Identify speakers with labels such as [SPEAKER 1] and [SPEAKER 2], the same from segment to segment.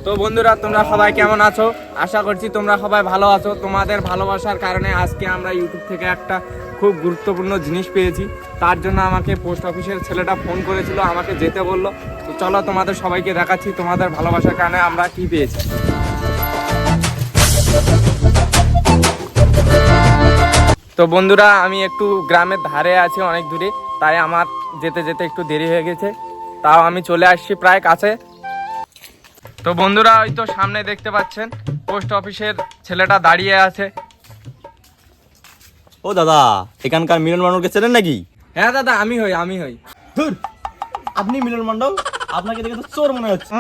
[SPEAKER 1] তো বন্ধুরা, তোমরা সবাই কেমন আছো? আশা করছি তোমরা সবাই ভালো আছো। তোমাদের ভালোবাসার কারণে আজকে আমরা ইউটিউব থেকে একটা খুব গুরুত্বপূর্ণ জিনিস পেয়েছি। তার জন্য আমাকে পোস্ট অফিসের ছেলেটা ফোন করেছিল, আমাকে যেতে বললো। তো চলো তোমাদের সবাইকে দেখাচ্ছি তোমাদের ভালোবাসার কারণে আমরা কি পেয়েছি। তো বন্ধুরা, আমি একটু গ্রামের ধারে আছি, অনেক দূরে, তাই আমার যেতে যেতে একটু দেরি হয়ে গেছে। তাও আমি চলে আসছি প্রায় কাছে। তো বন্ধুরা, ওই তো সামনে দেখতে পাচ্ছেন পোস্ট অফিসের ছেলেটা দাঁড়িয়ে আছে।
[SPEAKER 2] ও দাদা, এখানকার মিলন মণ্ডলকে চেনেন নাকি?
[SPEAKER 1] হ্যাঁ দাদা, আমি হই।
[SPEAKER 2] ধুর, আপনি মিলন মণ্ডল? আপনাকে দেখে তো চোর মনে হচ্ছে।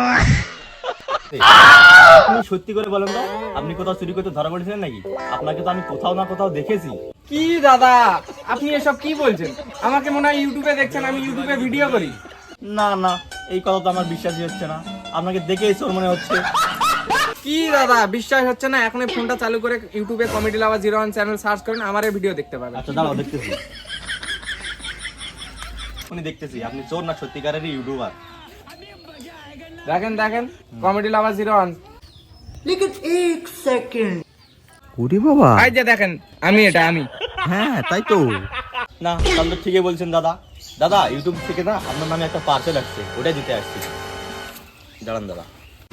[SPEAKER 2] আপনি সত্যি করে বলেন তো, আপনি কোথাও চুরি করতে ধরা পড়েছিলেন নাকি? আপনাকে তো আমি কোথাও না কোথাও দেখেছি।
[SPEAKER 1] কি দাদা, আপনি এসব কি বলছেন? আমাকে মনে হয় ইউটিউবে দেখছেন, আমি ইউটিউবে ভিডিও করি।
[SPEAKER 2] না না, এই কথা তো আমার বিশ্বাসই হচ্ছে না। আপনাকে দেখেই চোর মনে হচ্ছে।
[SPEAKER 1] কি দাদা, বিশ্বাস হচ্ছে না? এখন ফোনটা চালু করে ইউটিউবে কমেডি লাভার 01 চ্যানেল সার্চ করেন, আমার এই ভিডিও দেখতে পাবেন।
[SPEAKER 2] আচ্ছা দাঁড়াও, দেখতেছি। উনি দেখতেছি আপনি চোর না সত্যিকারেরই ইউটিউবার।
[SPEAKER 1] দেখেন কমেডি লাভার 01।
[SPEAKER 3] लेकिन एक सेकंड
[SPEAKER 2] ওরে বাবা,
[SPEAKER 1] এই যে দেখেন, আমি।
[SPEAKER 2] হ্যাঁ তাই তো। না, তাহলে তো ঠিকই বলছেন দাদা। দাদা, ইউটিউব থেকে না আপনার নামে একটা পার্সেল আসছে, ওটাই দিতে আসছি। দাঁড়ান দাদা।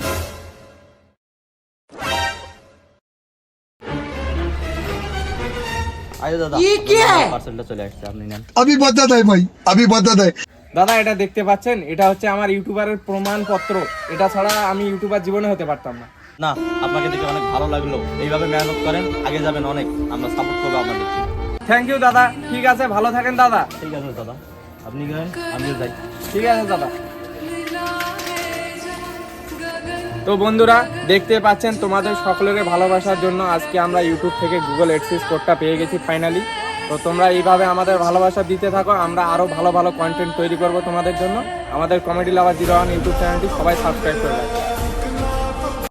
[SPEAKER 2] আরে দাদা,
[SPEAKER 3] ये क्या है?
[SPEAKER 2] পার্সেলটা চলে আসছে, আপনি নেন।
[SPEAKER 4] अभी बता दे भाई, अभी बता दे।
[SPEAKER 1] দাদা, এটা দেখতে পাচ্ছেন, এটা হচ্ছে আমার ইউটিউবারের প্রমাণপত্র। এটা ছাড়া আমি ইউটিউবার জীবনে হতে পারতাম না।
[SPEAKER 2] না, আপনাকে দেখে অনেক ভালো লাগলো। এইভাবে মেহনত করেন, আগে যাবেন অনেক। আমরা সাপোর্ট করবো আপনাদের।
[SPEAKER 1] থ্যাংক ইউ দাদা। ঠিক আছে, ভালো থাকেন দাদা।
[SPEAKER 2] ঠিক আছে দাদা, আপনি গেলেন, আমিও যাই।
[SPEAKER 1] ঠিক আছে দাদা। তো বন্ধুরা, দেখতে পাচ্ছেন তোমাদের সকলের ভালোবাসার জন্য আজকে আমরা ইউটিউব থেকে গুগল অ্যাডসেন্স কোডটা পেয়ে গেছি ফাইনালি। তো তোমরা এইভাবে আমাদের ভালোবাসা দিতে থাকো, আমরা আরো ভালো ভালো কন্টেন্ট তৈরি করব তোমাদের জন্য। আমাদের কমেডি লাভার 01 ইউটিউব চ্যানেলটি সবাই সাবস্ক্রাইব করে রাখো।